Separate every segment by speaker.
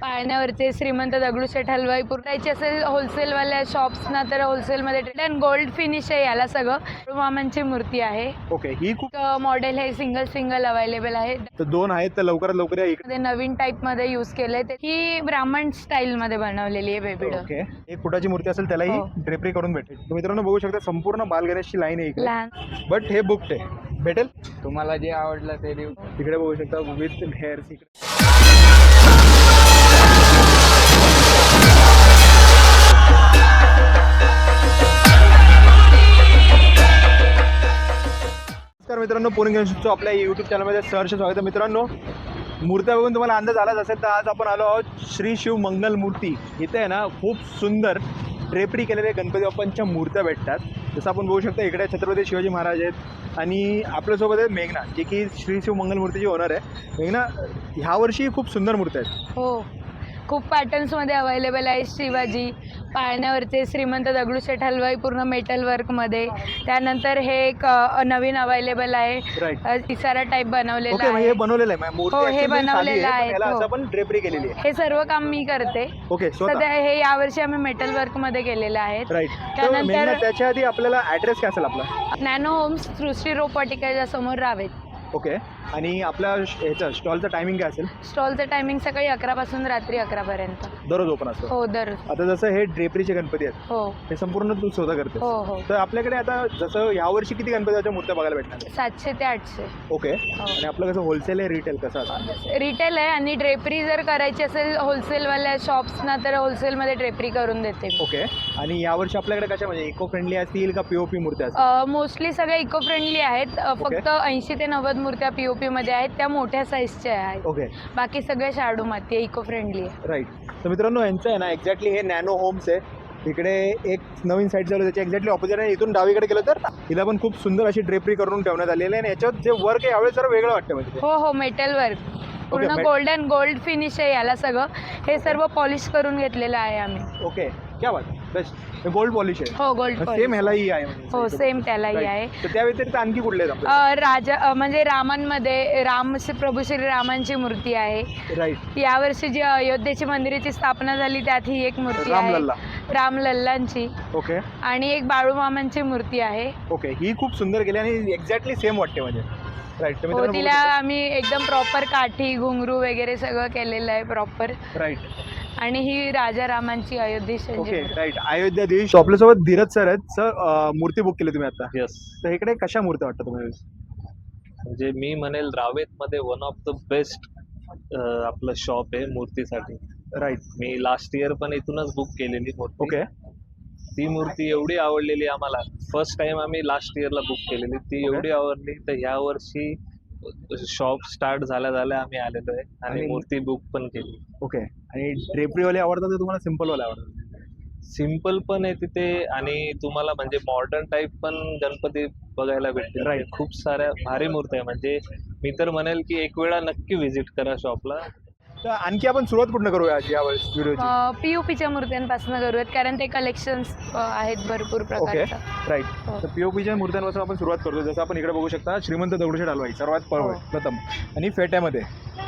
Speaker 1: पाळण्यावरचे श्रीमंत दगडूशेठ हलवाई पुरवायचे असेल होलसेलवाल्या शॉप्सना तर होलसेलमध्ये अँड गोल्ड फिनिश आहे याला सगळं. मामांची मूर्ती आहे.
Speaker 2: ओके, ही खूप
Speaker 1: मॉडेल हे सिंगल अवेलेबल आहे.
Speaker 2: तर दोन आहेत तर लवकरात लवकर या इकडे.
Speaker 1: नवीन टाइप मध्ये यूज केले. ही ब्राह्मण स्टाईल मध्ये बनवलेली आहे बेबी डॉल.
Speaker 2: ओके, एक फुटाची मूर्ती असेल त्यालाही ड्रेपरी करून भेटेल. तर मित्रांनो बघू शकता संपूर्ण बाल गणेशची लाईन आहे इकडे.
Speaker 1: लहान
Speaker 2: बट हे बुकड आहे, भेटेल
Speaker 3: तुम्हाला जे आवडलं ते देऊ.
Speaker 2: तिकडे बघू शकता विथ हेअर्स इकडे. नमस्कार मित्रांनो, पूर्ण गणेशोत्सव आपल्या यूट्यूब चॅनलमध्ये सहर्ष स्वागत आहे. मित्रांनो, मूर्त्या बघून तुम्हाला अंदाज आलाच असेल तर आज आपण आलो आहोत श्री शिव मंगल मूर्ती. इथे आहे ना खूप सुंदर ड्रेपरी केलेल्या गणपती बाप्पांच्या मूर्त्या भेटतात. जसं आपण बघू शकता इकडे छत्रपती शिवाजी महाराज आहेत आणि आपल्यासोबत आहे मेघना, जे की श्री शिव मंगल मूर्तीची ओनर आहे. मेघना, ह्या वर्षी खूप सुंदर मूर्त्या आहेत.
Speaker 1: हो, खूप पॅटर्न्समध्ये अवेलेबल आहे. शिवाजी पाळण्यावरचे श्रीमंत दगडूशेठ हलवाई पूर्ण मेटल वर्कमध्ये. त्यानंतर हे एक नवीन अवेलेबल आहे.
Speaker 2: राईट,
Speaker 1: इसारा टाईप बनवलेला
Speaker 2: ओके,
Speaker 1: आहे.
Speaker 2: हे बनवलेलं आहे मूर्ती.
Speaker 1: हो, हे बनवलेलं आहे.
Speaker 2: याला असं आपण ड्रेपरी केलेली आहे.
Speaker 1: हे सर्व काम मी करते.
Speaker 2: ओके,
Speaker 1: सध्या हे यावर्षी आम्ही मेटल वर्क मध्ये केलेले आहेत.
Speaker 2: राईट.
Speaker 1: त्यानंतर
Speaker 2: त्याच्या आधी आपल्याला ऍड्रेस काय असेल आपला?
Speaker 1: नॅनो होम्स सृष्टी रोपवाटिकेच्या समोर रावेत.
Speaker 2: ओके, आणि आपल्या ह्याचा स्टॉलचं टायमिंग काय असेल?
Speaker 1: स्टॉलचं टायमिंग सकाळी 11 पासून रात्री 11 पर्यंत.
Speaker 2: दररोज ओपन असतो?
Speaker 1: हो, दररोज.
Speaker 2: आता जसं हे ड्रेपरीचे गणपती आहेत,
Speaker 1: हो
Speaker 2: हे संपूर्ण तू स्वतः करते?
Speaker 1: हो हो.
Speaker 2: तर आपल्याकडे आता जसं यावर्षी किती गणपतीच्या मूर्त्या बघायला भेटणार?
Speaker 1: 700 ते 800.
Speaker 2: ओके, आणि आपलं कसं होलसेल आहे रिटेल कसं असतं?
Speaker 1: रिटेल आहे आणि ड्रेपरी जर करायची असेल होलसेलवाल्या शॉप्सना तर होलसेलमध्ये ड्रेपरी करून देते.
Speaker 2: ओके, आणि यावर्षी आपल्याकडे कशा म्हणजे इको फ्रेंडली असतील का पीओपी मूर्त्या असतील?
Speaker 1: मोस्टली सगळ्या इको फ्रेंडली आहेत. फक्त 80 ते 90 मूर्त्या पीओपी मध्ये आहेत, त्या मोठ्या साईजच्या आहेत.
Speaker 2: ओके,
Speaker 1: बाकी सगळे शाडू माती इको फ्रेंडली आहे.
Speaker 2: राईट. तर मित्रांनो, यांचं आहे ना एक्झॅक्टली हे नॅनो होम्स आहे. इकडे एक नवीन साईड चालू, त्याच्या एक्झॅक्टली ऑपोजिट आहे. इथून डावीकडे गेलं तर हिला पण खूप सुंदर अशी ड्रेपरी करून ठेवण्यात आलेली आहे आणि याच्यावर जे वर्क आहे यावेळेस जरा वेगळं वाटतं म्हणजे.
Speaker 1: हो हो, मेटल वर्क पूर्ण गोल्ड फिनिश आहे याला सगळं. हे सर्व पॉलिश करून घेतलेलं आहे आम्ही.
Speaker 2: ओके, क्या बात, बेस्ट. गोल्ड पॉलिश आहे.
Speaker 1: हो, गोल्ड
Speaker 2: सेम ह्यालाही आहे म्हणजे.
Speaker 1: हो, सेम त्यालाही आहे.
Speaker 2: तर त्या व्यतिरिक्त आणखी कुठले आहेत आपल्याकडे?
Speaker 1: राजा म्हणजे रामांमध्ये प्रभू श्रीरामांची मूर्ती आहे.
Speaker 2: राईट.
Speaker 1: यावर्षी जी अयोध्येची मंदिराची स्थापना झाली त्यात ही एक मूर्ती आहे,
Speaker 2: रामलल्ला.
Speaker 1: रामलल्लांची.
Speaker 2: ओके,
Speaker 1: आणि एक बाळूमामांची मूर्ती आहे.
Speaker 2: ओके, ही खूप सुंदर केली आणि एक्झॅक्टली सेम वाटते म्हणजे. राईट. तर
Speaker 1: हो,
Speaker 2: मित्रांनो
Speaker 1: तिला आम्ही एकदम प्रॉपर काठी घुंगरू वगैरे सगळं केलेलं आहे प्रॉपर.
Speaker 2: राईट.
Speaker 1: आणि ही राजा रामांची अयोध्येची.
Speaker 2: Okay, right. अयोध्या देश. आपल्यासोबत धीरज सर आहेत. सर, मूर्ती बुक केली तुम्ही आता?
Speaker 4: यस.
Speaker 2: तर इकडे कशा मूर्त्या वाटतं तुम्हाला?
Speaker 4: म्हणजे मी म्हणेल रावेत मध्ये वन ऑफ द बेस्ट आपलं शॉप आहे मूर्तीसाठी.
Speaker 2: राईट.
Speaker 4: मी लास्ट इयर पण इथूनच बुक केलेली मूर्ती.
Speaker 2: ओके,
Speaker 4: ती मूर्ती एवढी आवडलेली आम्हाला, फर्स्ट टाइम आम्ही लास्ट इयरला बुक केलेली, ती एवढी आवडली तर ह्या वर्षी शॉप स्टार्ट झाल्या आम्ही आलेलो आहे आणि मूर्ती बुक पण केली.
Speaker 2: ओके, आणि ड्रेपरीवाले आवडतात का तुम्हाला सिम्पलवाले आवडतात?
Speaker 4: सिम्पल पण आहे तिथे आणि तुम्हाला म्हणजे मॉडर्न टाईप पण गणपती बघायला भेटतील.
Speaker 2: Right.
Speaker 4: खूप साऱ्या भारी मूर्ती आहे. म्हणजे मी तर म्हणेल की एक वेळा नक्की व्हिजिट करा शॉपला.
Speaker 2: तर आणखी आपण सुरुवात कुठनं करूया यावेळेस व्हिडिओची?
Speaker 1: पीयूपीच्या मूर्त्यांपासून करूयात कारण ते कलेक्शन्स आहेत भरपूर
Speaker 2: ओके,
Speaker 1: प्रकारचे.
Speaker 2: राईट.
Speaker 1: हो.
Speaker 2: तर पीओपीच्या मूर्त्यांपासून आपण सुरुवात करतो. जसं आपण इकडे बघू शकता श्रीमंत दगडूशेठ हलवाई सर्वात प्रथम आणि फेट्यामध्ये.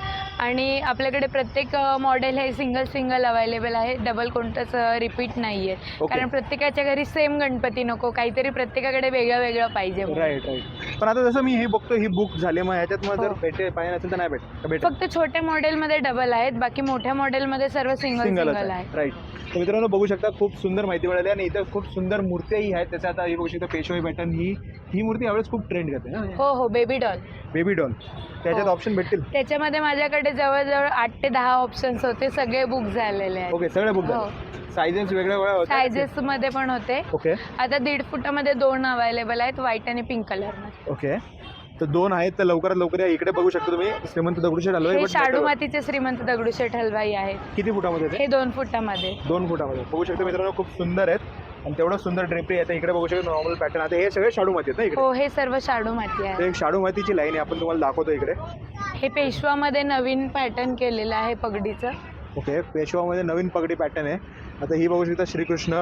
Speaker 1: आणि आपल्याकडे प्रत्येक मॉडेल हे सिंगल अवेलेबल आहे. डबल कोणतंच रिपीट नाहीये. कारण प्रत्येकाच्या घरी सेम गणपती नको, काहीतरी प्रत्येकाकडे वेगळं पाहिजे.
Speaker 2: Right right. पण आता जसं मी हे बघतो ही बुक झाली, मग ह्याच्यात मग जर पेटे पाहिजे असेल तर नाही भेट?
Speaker 1: फक्त छोट्या मॉडेलमध्ये डबल आहेत, बाकी मोठ्या मॉडेलमध्ये सर्व सिंगल आहे.
Speaker 2: राईट. तर मित्रांनो बघू शकता खूप सुंदर माहिती मिळाली आणि इथं खूप सुंदर मूर्त्याही आहेत. त्याच्या आता हे बघू शकता पेशवाई पॅटर्न, ही मूर्ती यावेळेस खूप ट्रेंड करते ना?
Speaker 1: हो हो, बेबी डॉल.
Speaker 2: बेबी डॉल त्याच्यात ऑप्शन भेटतील?
Speaker 1: त्याच्यामध्ये माझ्याकडे जवळजवळ 8 ते 10 ऑप्शन्स होते, सगळे बुक झालेले आहेत.
Speaker 2: ओके, सगळे बुक झाले. सायझेस वेगळ्या होत्या?
Speaker 1: सायझेस मध्ये पण होते.
Speaker 2: ओके,
Speaker 1: आता 1.5 फुटामध्ये 2 अवेलेबल आहेत, व्हाईट आणि पिंक कलर मध्ये.
Speaker 2: ओके, तर 2 आहेत. तर लवकरात लवकर या. इकडे बघू शकता तुम्ही श्रीमंत दगडूशेठ हलवाई.
Speaker 1: हे शाडू मातीचे श्रीमंत दगडूशेठ हलवाई आहेत.
Speaker 2: किती फुटामध्ये ते?
Speaker 1: हे 2 फुटामध्ये.
Speaker 2: 2 फुटामध्ये बघू शकता मित्रांनो, खूप सुंदर आहेत आणि तेवढं सुंदर ड्रेपरी आहे. इकडे बघू शकता नॉर्मल पॅटर्न. आता हे सगळे शाडू माती आहेत ना इकडे?
Speaker 1: हो, हे सर्व शाडू माती आहे.
Speaker 2: एक शाडू मातीची लाईन आहे, आपण तुम्हाला दाखवतो इकडे.
Speaker 1: हे पेशवामध्ये नवीन पॅटर्न केलेलं आहे पगडीचं.
Speaker 2: ओके, पेशवामध्ये नवीन पगडी पॅटर्न आहे. आता ही बघू शकता श्रीकृष्ण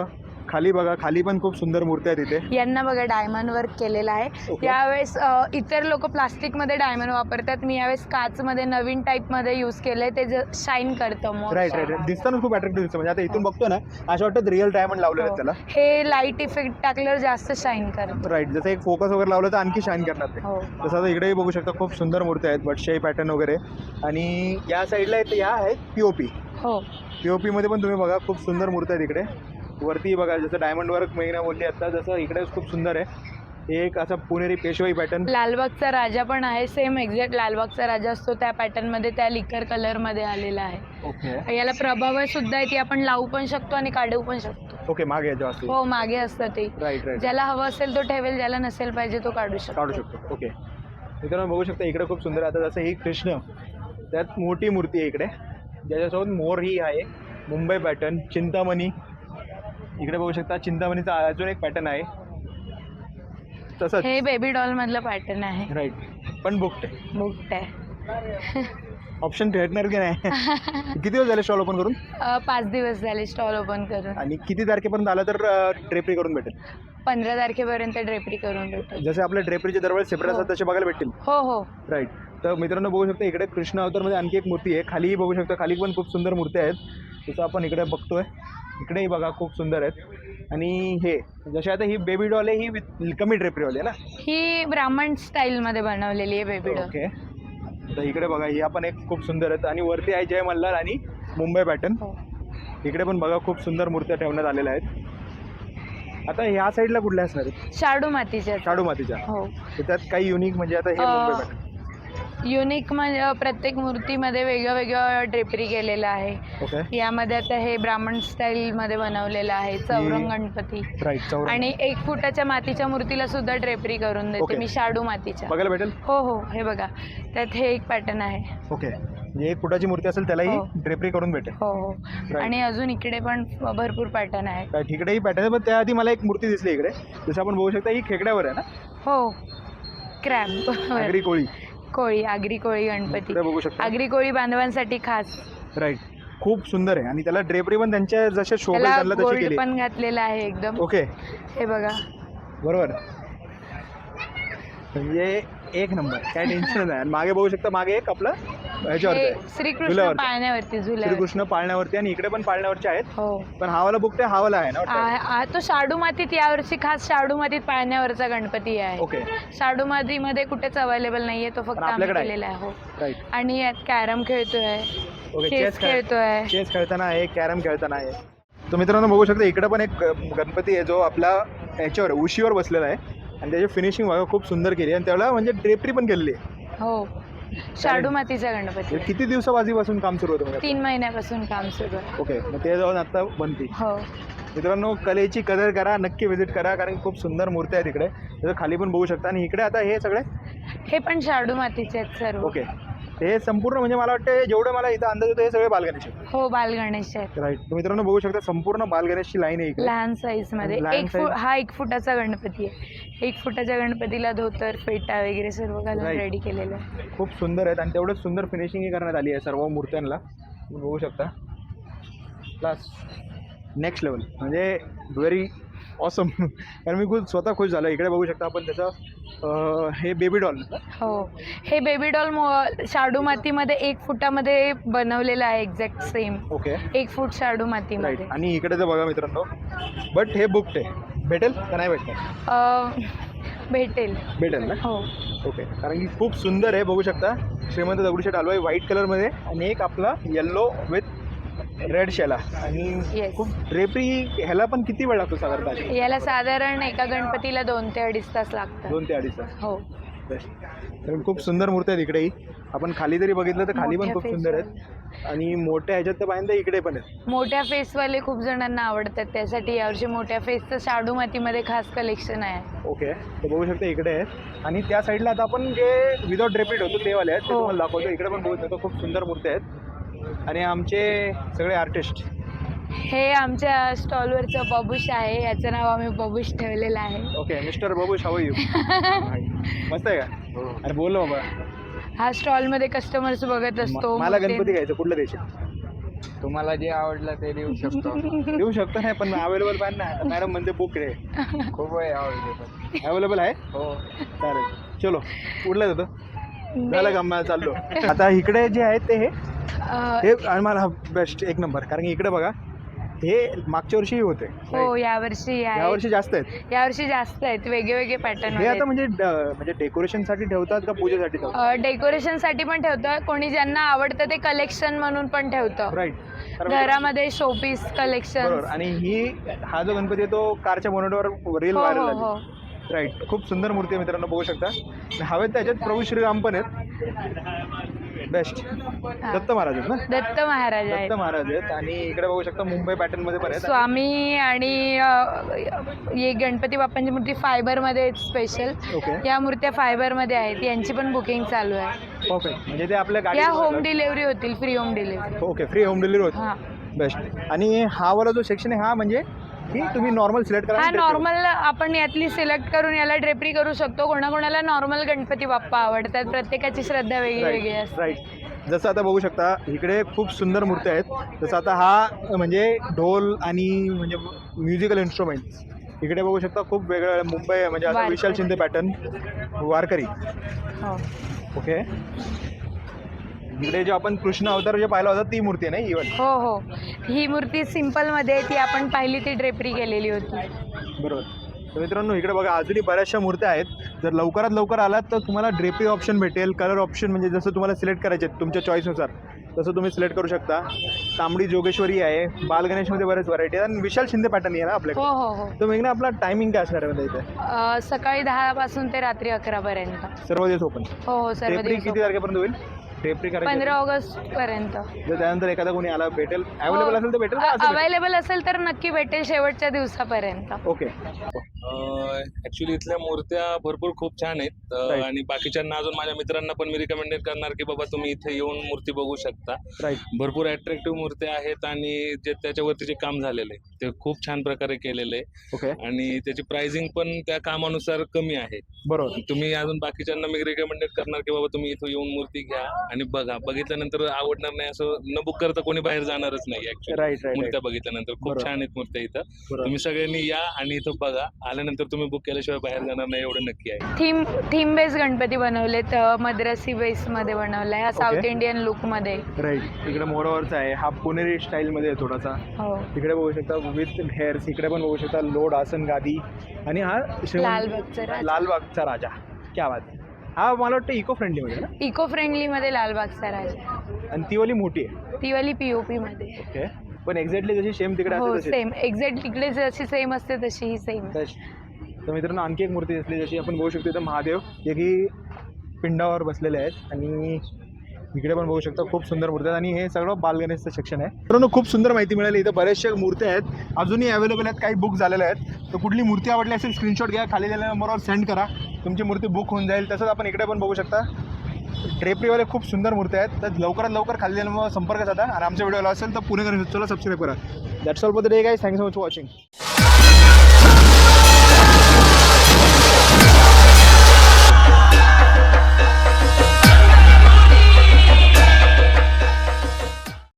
Speaker 2: खाली बघा, खाली पण खूप सुंदर मूर्ती आहेत इथे.
Speaker 1: यांना बघा डायमंड वर्क केलेलं आहे.
Speaker 2: Okay.
Speaker 1: यावेळेस इतर लोक प्लास्टिकमध्ये डायमंड वापरतात, मी यावेळेस काचमध्ये नवीन टाईपमध्ये यूज केलंय, ते शाईन करतं मग.
Speaker 2: राईट राईट, दिसताना खूप अट्रॅक्टिव्ह दिसतं. म्हणजे आता इथून बघतो ना, असं वाटतं रिअल डायमंड लावलेलं आहे त्याला.
Speaker 1: हे लाईट इफेक्ट टाकल्यावर जास्त शाईन करतं.
Speaker 2: राईट, जसं एक फोकस वगैरे लावलं तर आणखी शाईन करणार ते.
Speaker 1: हो.
Speaker 2: तसं आता इकडेही बघू शकता खूप सुंदर मूर्ती आहेत, बटशाही पॅटर्न वगैरे. आणि या साईडला या आहेत पीओपी.
Speaker 1: हो.
Speaker 2: पीओपी मध्ये पण तुम्ही बघा खूप सुंदर मूर्ती आहेत इकडे. वरती बघा जसं डायमंड वर्क महिना बोलली आता, जसं इकडे खूप सुंदर आहे. एक असा पुणेरी पेशवाई पॅटर्न.
Speaker 1: लालबागचा राजा पण आहे, सेम एक्झॅक्ट लालबागचा राजा असतो त्या पॅटर्नमध्ये, त्या लिकर कलरमध्ये आलेला आहे.
Speaker 2: ओके
Speaker 1: याला प्रभाव सुद्धा आहे, ती आपण लावू पण शकतो आणि काढू पण शकतो.
Speaker 2: ओके, मागे याच्या असते.
Speaker 1: हो, मागे असतं ते.
Speaker 2: राईट राईट,
Speaker 1: ज्याला हवं असेल तो ठेवेल, ज्याला नसेल पाहिजे तो काढू
Speaker 2: काढू
Speaker 1: शकतो.
Speaker 2: शकतो. ओके, मित्रांनो बघू शकता इकडे खूप सुंदर. आता जसं ही कृष्ण, त्यात मोठी मूर्ती आहे इकडे, ज्याच्यासोबत मोर ही आहे. मुंबई पॅटर्न, चिंतामणी. इकडे बघू शकता चिंतामणीचा अजून एक पॅटर्न आहे तसंच.
Speaker 1: हे बेबी डॉल मधलं पॅटर्न आहे.
Speaker 2: राईट, पण बुकड
Speaker 1: बुकट आहे.
Speaker 2: ऑप्शन भेटणार की नाही? किती दिवस झाले स्टॉल ओपन करून?
Speaker 1: 5 दिवस झाले स्टॉल ओपन करून.
Speaker 2: आणि किती तारखेपर्यंत आलं तर ड्रेपरी करून भेटेल?
Speaker 1: 15 तारखेपर्यंत ड्रेपरी करून भेटेल.
Speaker 2: जसे आपल्या ड्रेपरीचे दरवेळेस सेपरेट असतात तसे बघायला भेटतील.
Speaker 1: हो हो.
Speaker 2: राईट. तर मित्रांनो बघू शकता इकडे कृष्ण अवतारमध्ये आणखी एक मूर्ती आहे. खालीही बघू शकता, खाली पण खूप सुंदर मूर्ती आहेत. जसं आपण इकडे बघतोय, इकडेही बघा खूप सुंदर आहेत. आणि हे जसे आता ही बेबी डॉल आहे, ही कमी ड्रेपरीवाली आहे ना?
Speaker 1: ही ब्राह्मण स्टाईलमध्ये बनवलेली आहे बेबी डॉल.
Speaker 2: ओके, तर इकडे बघा ही आपण एक खूप सुंदर आहेत. आणि वरती आहे जय मल्हार आणि मुंबई पॅटर्न.
Speaker 1: हो.
Speaker 2: इकडे पण बघा खूप सुंदर मूर्त्या ठेवण्यात आलेल्या आहेत. आता ह्या साईडला कुठल्या असणार आहेत?
Speaker 1: शाडू मातीच्या.
Speaker 2: शाडू मातीच्या.
Speaker 1: हो.
Speaker 2: तर त्यात काही युनिक म्हणजे आता हे मुंबई पॅटर्न.
Speaker 1: युनिक म्हणजे प्रत्येक मूर्तीमध्ये वेगळं वेगळं ड्रेपरी केलेलं आहे.
Speaker 2: ओके,
Speaker 1: यामध्ये आता हे ब्राह्मण स्टाईलमध्ये बनवलेलं आहे, चौरंग गणपती.
Speaker 2: राईट, चौरंग.
Speaker 1: आणि 1 फुटाच्या मातीच्या मूर्तीला सुद्धा ड्रेपरी करून देते
Speaker 2: ओके.
Speaker 1: मी, शाडू मातीच्या.
Speaker 2: बघायला भेटेल?
Speaker 1: हो हो, हे बघा त्यात हे एक पॅटर्न आहे.
Speaker 2: ओके, म्हणजे 1 फुटाची मूर्ती असेल त्यालाही
Speaker 1: हो.
Speaker 2: ड्रेपरी करून भेटेल.
Speaker 1: हो हो. आणि अजून इकडे पण भरपूर पॅटर्न आहे.
Speaker 2: राईट, इकडेही पॅटर्न आहे. पण त्याआधी मला एक मूर्ती दिसली इकडे, जसं आपण बघू शकता ही खेकड्यावर आहे ना?
Speaker 1: हो, क्रॅब.
Speaker 2: आगरी कोळी.
Speaker 1: कोळी, आगरी कोळी गणपती.
Speaker 2: इकडे बघू शकता.
Speaker 1: आगरी कोळी बांधवांसाठी खास.
Speaker 2: राईट, खूप सुंदर आहे. आणि त्याला ड्रेपरी पण त्यांच्या जसे शोभेल
Speaker 1: त्याला
Speaker 2: त्यांना तशी
Speaker 1: गोल्ड
Speaker 2: केली.
Speaker 1: पण घातलेला आहे एकदम.
Speaker 2: ओके,
Speaker 1: हे बघा.
Speaker 2: बरोबर, म्हणजे एक नंबर, काय टेन्शन नाही. आणि मागे बघू शकता, मागे एक आपलं ह्याच्यावरती
Speaker 1: हे
Speaker 2: आहे,
Speaker 1: श्रीकृष्ण
Speaker 2: झुल्यावरती.
Speaker 1: पाळण्यावरती, झुल्यावर.
Speaker 2: श्रीकृष्ण पाळण्यावरती. आणि इकडे पण पाळण्यावरचे आहेत.
Speaker 1: हो.
Speaker 2: पण हावाला बुक ते हावाला आहे ना वाटतं?
Speaker 1: तो शाडू मातीत, यावर्षी खास शाडू मातीत पाळण्यावरचा गणपती आहे.
Speaker 2: ओके,
Speaker 1: शाडू मातीमध्ये कुठेच अवेलेबल नाहीये, तो फक्त
Speaker 2: पण
Speaker 1: आम्ही
Speaker 2: आपल्याकडे आहे.
Speaker 1: केलेला आहे. हो.
Speaker 2: राईट.
Speaker 1: आणि यात कॅरम खेळतोय,
Speaker 2: ओके,
Speaker 1: चेस खेळतोय.
Speaker 2: चेस खेळताना आहे, कॅरम खेळताना आहे. तर मित्रांनो बघू शकता इकडे पण एक गणपती आहे जो आपला याच्यावर उशीवर बसलेला आहे. आणि त्याची फिनिशिंग बघा खूप सुंदर केली. आणि त्याला म्हणजे ड्रेपरी पण केलेली आहे.
Speaker 1: हो, शाडू मातीचा गणपती.
Speaker 2: किती दिवसापासून काम सुरू होतं?
Speaker 1: 3 महिन्यापासून काम सुरू आहे.
Speaker 2: ओके, मग ते जाऊन आता बनती.
Speaker 1: हो.
Speaker 2: मित्रांनो कलेची कदर करा, नक्की व्हिजिट करा, कारण खूप सुंदर मूर्ती आहेत इकडे. जसं खाली पण बघू शकता. आणि इकडे आता हे सगळे
Speaker 1: हे पण शाडू मातीचे आहेत सर्व.
Speaker 2: ओके, हे संपूर्ण म्हणजे मला वाटतं जेवढं मला इथं अंदाज येतो हे सगळे बालगणेश आहेत.
Speaker 1: हो, बालगणेश आहेत.
Speaker 2: राईट. मित्रांनो बघू शकता संपूर्ण बालगणेशची लाईन आहे इकडे.
Speaker 1: लहान साईज मध्ये.
Speaker 2: लहान size.
Speaker 1: हा 1 फुटाचा गणपती आहे. 1 फुटाच्या गणपतीला धोतर, फेटा वगैरे सर्व घालून
Speaker 2: Right.
Speaker 1: रेडी केलेलं आहे.
Speaker 2: खूप सुंदर आहेत. आणि तेवढंच सुंदर फिनिशिंग करण्यात आली आहे सर्व मूर्त्यांना. तुम्ही बघू शकता. प्लस नेक्स्ट लेवल, म्हणजे व्हेरी ऑसम. कारण मी खूप स्वतः खुश झालो. इकडे बघू शकता आपण त्याचं हे बेबी डॉल.
Speaker 1: हो, हे बेबी डॉल शाडू मातीमध्ये 1 फुटामध्ये बनवलेलं आहे, एक्झॅक्ट सेम.
Speaker 2: ओके,
Speaker 1: 1 फूट शाडू
Speaker 2: राईट.
Speaker 1: मातीमध्ये.
Speaker 2: आणि इकडे तर बघा मित्रांनो, बट हे बुकड आहे. भेटेल का नाही भेटणार?
Speaker 1: भेटेल.
Speaker 2: भेटेल ना?
Speaker 1: हो.
Speaker 2: ओके, कारण की खूप सुंदर आहे. बघू शकता श्रीमंत दगडूशेठ हलवाई व्हाईट कलरमध्ये. आणि एक आपला येल्लो विथ रेड शेला. आणि
Speaker 1: Yes.
Speaker 2: खूप ड्रेपरी ह्याला पण किती वेळ लागतो साधारणतः?
Speaker 1: याला साधारण एका गणपतीला 2 ते 2.5 तास लागतात.
Speaker 2: 2 ते 2.5 तास.
Speaker 1: हो.
Speaker 2: कारण खूप सुंदर मूर्ती आहेत इकडेही. आपण खाली जरी बघितलं तर खाली पण
Speaker 1: मोठ्या
Speaker 2: खूप सुंदर आहेत. आणि मोठ्या ह्याच्यात तर पाहिजे इकडे पण आहेत.
Speaker 1: मोठ्या फेसवाले खूप जणांना आवडतात, त्यासाठी यावर्षी मोठ्या फेसचं शाडू मातीमध्ये खास कलेक्शन आहे.
Speaker 2: ओके, तर बघू शकता इकडे आहेत. आणि त्या साईडला आता आपण जे विदाउट ड्रेपेड होतो ते वाले आहेत ते
Speaker 1: हो.
Speaker 2: तुम्हाला दाखवतो. इकडे पण बघू शकतो खूप सुंदर मूर्ती आहेत. आणि आमचे सगळे आर्टिस्ट.
Speaker 1: हे आमच्या स्टॉलवरचं बबूश आहे, याचं नाव आम्ही बबूश ठेवलेलं आहे.
Speaker 2: Okay, mister Babu how you? मस्त आहे का? अरे बोल बाबा.
Speaker 1: हा स्टॉलमध्ये कस्टमर्स बघत असतो.
Speaker 2: मला
Speaker 1: मग ते-
Speaker 2: गणपती घ्यायचं, कुठलं द्यायचे?
Speaker 3: तुम्हाला जे आवडलं ते देऊ शकतो.
Speaker 2: देऊ शकतो नाही, पण अवेलेबल पाहिजे ना. मॅडम म्हणते बुक रे.
Speaker 3: खूप आहे आवडले.
Speaker 2: अवेलेबल आहे.
Speaker 3: हो.
Speaker 2: चालेल, चलो कुठला देतो. झालं का, मला चाललो. आता इकडे जे आहेत ते हे आणि मला बेस्ट एक नंबर, कारण की इकडे बघा हे मागच्या वर्षी होते.
Speaker 1: हो यावर्षी
Speaker 2: यावर्षी जास्त आहेत.
Speaker 1: यावर्षी जास्त आहेत, वेगळे पॅटर्न.
Speaker 2: हे आता म्हणजे डेकोरेशनसाठी ठेवतात का पूजेसाठी ठेवतात?
Speaker 1: डेकोरेशनसाठी पण ठेवतं, कोणी ज्यांना आवडतं ते कलेक्शन म्हणून पण ठेवतं.
Speaker 2: राईट.
Speaker 1: घरामध्ये शोपीस कलेक्शन.
Speaker 2: बरोबर. आणि हा जो गणपती आहे तो कारच्या बोनटवर रील व्हायरल झाली. राईट. खूप सुंदर मूर्ती आहे मित्रांनो, बघू शकता. हवेत त्याच्यात प्रभू श्रीराम पण आहेत. बेस्ट. दत्त महाराज आहेत ना.
Speaker 1: दत्त महाराज आहेत.
Speaker 2: दत्त महाराज आहेत. आणि इकडे बघू शकता मुंबई पॅटर्न मध्ये पण आहेत.
Speaker 1: स्वामी आणि हे गणपती बाप्पांची मूर्ती फायबर मध्ये आहेत स्पेशल.
Speaker 2: ओके.
Speaker 1: या मूर्त्या फायबर मध्ये आहेत, यांची पण बुकिंग चालू आहे.
Speaker 2: परफेक्ट. म्हणजे ते आपल्या गाडी
Speaker 1: या होम डिलिव्हरी होतील, free home delivery.
Speaker 2: Okay, free home delivery होती.
Speaker 1: हां.
Speaker 2: बेस्ट. आणि हा वाला जो सेक्शन आहे हा म्हणजे की तुम्ही नॉर्मल सिलेक्ट करा.
Speaker 1: हा नॉर्मल आपण यातली सिलेक्ट करून याला ड्रेपरी करू शकतो. कोणाकोणाला नॉर्मल गणपती बाप्पा आवडतात, प्रत्येकाची श्रद्धा वेगळी वेगळी असते.
Speaker 2: राईट. जसं आता बघू शकता इकडे खूप सुंदर मूर्ती आहेत. जसं आता हा म्हणजे ढोल आणि म्हणजे म्युझिकल इन्स्ट्रुमेंट्स. इकडे बघू शकता खूप वेगळं मुंबई म्हणजे आता विशाल शिंदे पॅटर्न वारकरी.
Speaker 1: हो.
Speaker 2: ओके. इकडे जो आपण कृष्ण अवतार जे पाहिला होता ती मूर्ती आहे ना इव्हन.
Speaker 1: हो हो, ही मूर्ती सिंपल मध्ये ती आपण पाहिली, ती ड्रेपरी केलेली होती.
Speaker 2: बरोबर. तर मित्रांनो इकडे बघा अजूनही बऱ्याचशा मूर्त्या आहेत. जर लवकरात लवकर आलात तर तुम्हाला ड्रेपरी ऑप्शन भेटेल, कलर ऑप्शन म्हणजे जसं तुम्हाला सिलेक्ट करायचे तुमच्या चॉईसनुसार तसं तुम्ही सिलेक्ट करू शकता. तांबडी जोगेश्वरी आहे, बाल गणेशमध्ये बरेच व्हरायटी आहे आणि विशाल शिंदे पॅटर्न आहे ना आपल्याकडे.
Speaker 1: हो हो हो.
Speaker 2: तर मग ना आपला टायमिंग काय असणार आहे म्हणजे इथे?
Speaker 1: सकाळी 10 पासून ते रात्री 11 पर्यंत.
Speaker 2: सर्व दिवस ओपन.
Speaker 1: हो हो, सर्व
Speaker 2: ड्रेपरी
Speaker 1: दिवस.
Speaker 2: किती तारखेपर्यंत होईल? ड्रेपरी करायची
Speaker 1: 15 ऑगस्ट पर्यंत.
Speaker 2: जर त्यानंतर एखादा कोणी आला भेटेल, अवेलेबल असेल तर भेटेल का? असं भेटेल?
Speaker 1: अवेलेबल असेल तर नक्की भेटेल शेवटच्या दिवसापर्यंत.
Speaker 2: ओके.
Speaker 5: ऍक्च्युली इथल्या मूर्त्या भरपूर खूप छान आहेत.
Speaker 2: Right.
Speaker 5: आणि बाकीच्यांना अजून माझ्या मित्रांना पण मी रिकमेंडेड करणार की बाबा तुम्ही इथे येऊन मूर्ती बघू शकता.
Speaker 2: राईट.
Speaker 5: भरपूर अट्रॅक्टिव्ह मूर्त्या आहेत आणि जे त्याच्यावरती जे काम झालेलं आहे ते खूप छान प्रकारे केलेलं आहे
Speaker 2: ओके.
Speaker 5: आणि त्याची प्राइसिंग पण त्या कामानुसार कमी आहे.
Speaker 2: बरोबर.
Speaker 5: तुम्ही अजून बाकीच्यांना मी रिकमेंडेड करणार की बाबा तुम्ही इथे येऊन मूर्ती घ्या आणि बघा. बघितल्यानंतर आवडणार नाही असं न बुक करता कोणी बाहेर जाणारच नाही. Actually
Speaker 2: right right.
Speaker 5: मूर्त्या बघितल्यानंतर खूप
Speaker 2: बरोबर.
Speaker 5: छान आहेत मूर्त्या इथं.
Speaker 2: बरोबर.
Speaker 5: तुम्ही सगळ्यांनी या आणि इथं बघा. आल्यानंतर तुम्ही बुक केल्याशिवाय बाहेर जाणार नाही एवढं नक्की आहे.
Speaker 1: थीम बेस गणपती बनवलेत, मद्रासी बेस मध्ये बनवलाय, हा साऊथ
Speaker 2: Okay.
Speaker 1: इंडियन लुक मध्ये.
Speaker 2: राईट. इकडे मोरावरचा आहे, हा पुणेरी स्टाईल मध्ये आहे थोडासा.
Speaker 1: हो.
Speaker 2: इकडे बघू शकता विथ हेअर्स. इकडे पण बघू शकता लोड आसन गादी. आणि हा
Speaker 1: लालबागचा राजा.
Speaker 2: लालबागचा राजा. क्या बात आहे. हा मला वाटतं इको फ्रेंडली मध्ये ना.
Speaker 1: इको फ्रेंडली मध्ये लालबागचा राजा.
Speaker 2: आणि ती वाली मोठी आहे.
Speaker 1: ती वाली पीओपी मध्ये.
Speaker 2: ओके. पण एक्झॅक्टली जशी सेम तिकडे
Speaker 1: हो
Speaker 2: असते
Speaker 1: सेम, एक्झॅक्ट तिकडे जशी सेम असते तशी ही सेम.
Speaker 2: तर मित्रांनो आणखी एक मूर्ती असली जशी आपण बघू शकतो इथं महादेव जे की पिंडावर बसलेले आहेत. आणि इकडे पण बघू शकता खूप सुंदर मूर्ती आहेत. आणि हे सगळं बालगणेशचं सेक्शन आहे. मित्रांनो खूप सुंदर माहिती मिळाली. इथं बऱ्याचशा मूर्त्या आहेत, अजूनही अवेलेबल आहेत, काही बुक झालेल्या आहेत. तर कुठली मूर्ती आवडली असेल स्क्रीनशॉट घ्या, खाली दिलेल्या नंबरवर सेंड करा, तुमची मूर्ती बुक होऊन जाईल. तसंच आपण इकडे पण बघू शकता ड्रेपरीवाले खूप सुंदर मूर्त्या आहेत. तर लवकरात लवकर खाली दिलेल्या नंबरवर संपर्क साधा आणि आमच्या व्हिडिओला असेल तर पुणे गणेश सबस्क्राईब करा. That's all for the day guys. Thank you so much for watching.